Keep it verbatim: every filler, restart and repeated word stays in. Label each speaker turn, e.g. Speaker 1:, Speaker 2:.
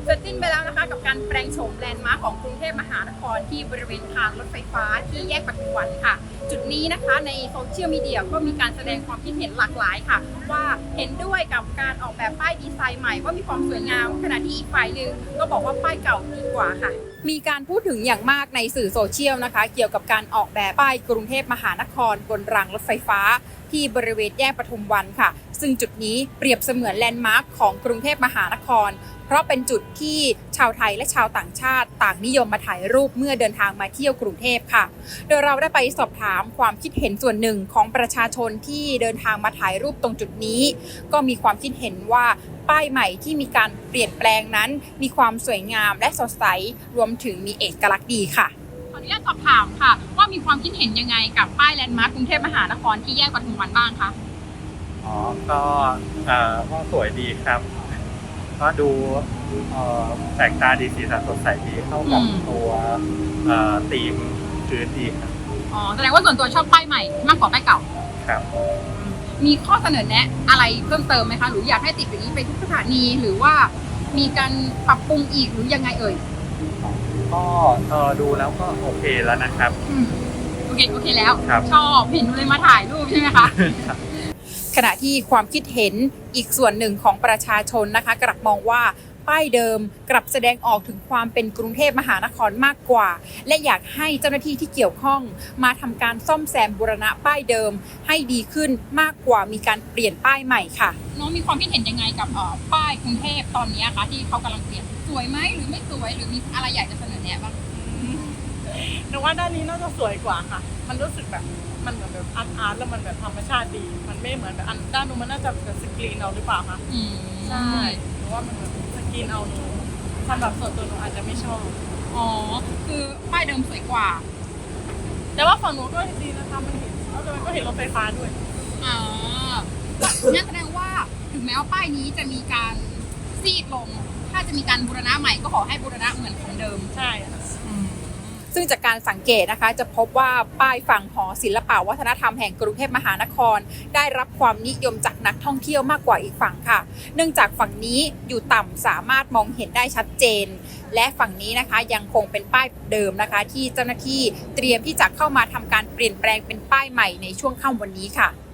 Speaker 1: เสร็จสิ้นไปแล้วนะคะกับการแปลงโฉมแลนด์มาร์คของกรุงเทพมหานครที่บริเวณทางรถไฟฟ้าที่แยกปทุมวันค่ะจุดนี้นะคะในโซเชียลมีเดียก็มีการแสดงความคิดเห็นหลากหลายค่ะว่าเห็นด้วยกับการออกแบบป้ายดีไซน์ใหม่ว่ามีความสวยงามขณะที่อีกฝ่ายหนึ่งก็บอกว่าป้ายเก่าดีกว่าค่ะมีการพูดถึงอย่างมากในสื่อโซเชียลนะคะเกี่ยวกับการออกแบบป้ายกรุงเทพมหานครบนรางรถไฟฟ้าที่บริเวณแยกปทุมวันค่ะซึ่งจุดนี้เปรียบเสมือนแลนด์มาร์คของกรุงเทพมหานครเพราะเป็นจุดที่ชาวไทยและชาวต่างชาติต่างนิยมมาถ่ายรูปเมื่อเดินทางมาเที่ยวกรุงเทพค่ะโดยเราได้ไปสอบถามความคิดเห็นส่วนหนึ่งของประชาชนที่เดินทางมาถ่ายรูปตรงจุดนี้ก็มีความคิดเห็นว่าป้ายใหม่ที่มีการเปลี่ยนแปลงนั้นมีความสวยงามและสดใสรวมถึงมีเอกลักษณ์ดีค่ะขออนุญาตสอบถามค่ะว่ามีความคิดเห็นยังไงกับป้ายแลนด์มาร์คกรุงเทพมหานครที่แยกปทุมวันบ้างคะ
Speaker 2: อ๋อก็เอ่อก็สวยดีครับก็ดูเอ่อแปลกตาดีสีสันสดใสดีเข้ากับตัวเอ่อธีมพื้นดีครับ
Speaker 1: อ๋อแสดงว่าส่วนตัวชอบป้ายใหม่มากกว่าป้ายเก่า
Speaker 2: ครับ
Speaker 1: มีข้อเสนอแนะอะไรเพิ่มเติมไหมคะหรืออยากให้ติดอย่างนี้ไปทุกสถานีหรือว่ามีการปรับปรุงอีกหรือยังไงเอ่ย
Speaker 2: ก็เออดูแล้วก็โอเคแล้วนะครับ
Speaker 1: โอเคโอเคแล้วชอบเห็นเลยมาถ่ายรูปใช่ไหมคะขณะที่ความคิดเห็นอีกส่วนหนึ่งของประชาชนนะคะกลับมองว่าป้ายเดิมกลับแสดงออกถึงความเป็นกรุงเทพมหานครมากกว่าและอยากให้เจ้าหน้าที่ที่เกี่ยวข้องมาทำการซ่อมแซมบูรณะป้ายเดิมให้ดีขึ้นมากกว่ามีการเปลี่ยนป้ายใหม่ค่ะน้องมีความคิดเห็นยังไงกับป้ายกรุงเทพตอนนี้คะที่เขากำลังเปลี่ยนสวยไหมหรือไม่สวยหรือมีอะไรอยากจะเสนอแนะบ้าง
Speaker 3: หนูว่าด้านนี้น่าจะสวยกว่าค่ะมันรู้สึกแบบมันเหมือนแบบอาร์ตอาร์ตแล้วมันแบบธรรมชาติดีมันไม่เหมือนแบบอันด้านนู้นมันน่าจะเป็นสกรีนเอาหรือเปล่าคะใช่หนูว่ามันแบบสกรีนเอาหนูสำหรับส่วนตัวหนูอาจจะไม่ชอบ
Speaker 1: อ๋อคือป้ายเดิมสวยกว่า
Speaker 3: แต่ว่าฝั่งหนูก็ดีนะคะมันเห็นแล้วมันก็เห็นรถไฟฟ้าด้วย
Speaker 1: อ๋อนั่นแสดงว่าถึงแม้ว่าป้ายนี้จะมีการซีดลงถ้าจะมีการบูรณะใหม่ก็ขอให้บูรณะเหมือนของเดิม
Speaker 3: ใช่
Speaker 1: ซึ่งจากการสังเกตนะคะจะพบว่าป้ายฝั่งหอศิลปวัฒนธรรมแห่งกรุงเทพมหานครได้รับความนิยมจากนักท่องเที่ยวมากกว่าอีกฝั่งค่ะเนื่องจากฝั่งนี้อยู่ต่ำสามารถมองเห็นได้ชัดเจนและฝั่งนี้นะคะยังคงเป็นป้ายเดิมนะคะที่เจ้าหน้าที่เตรียมที่จะเข้ามาทำการเปลี่ยนแปลงเป็นป้ายใหม่ในช่วงค่ำวันนี้ค่ะ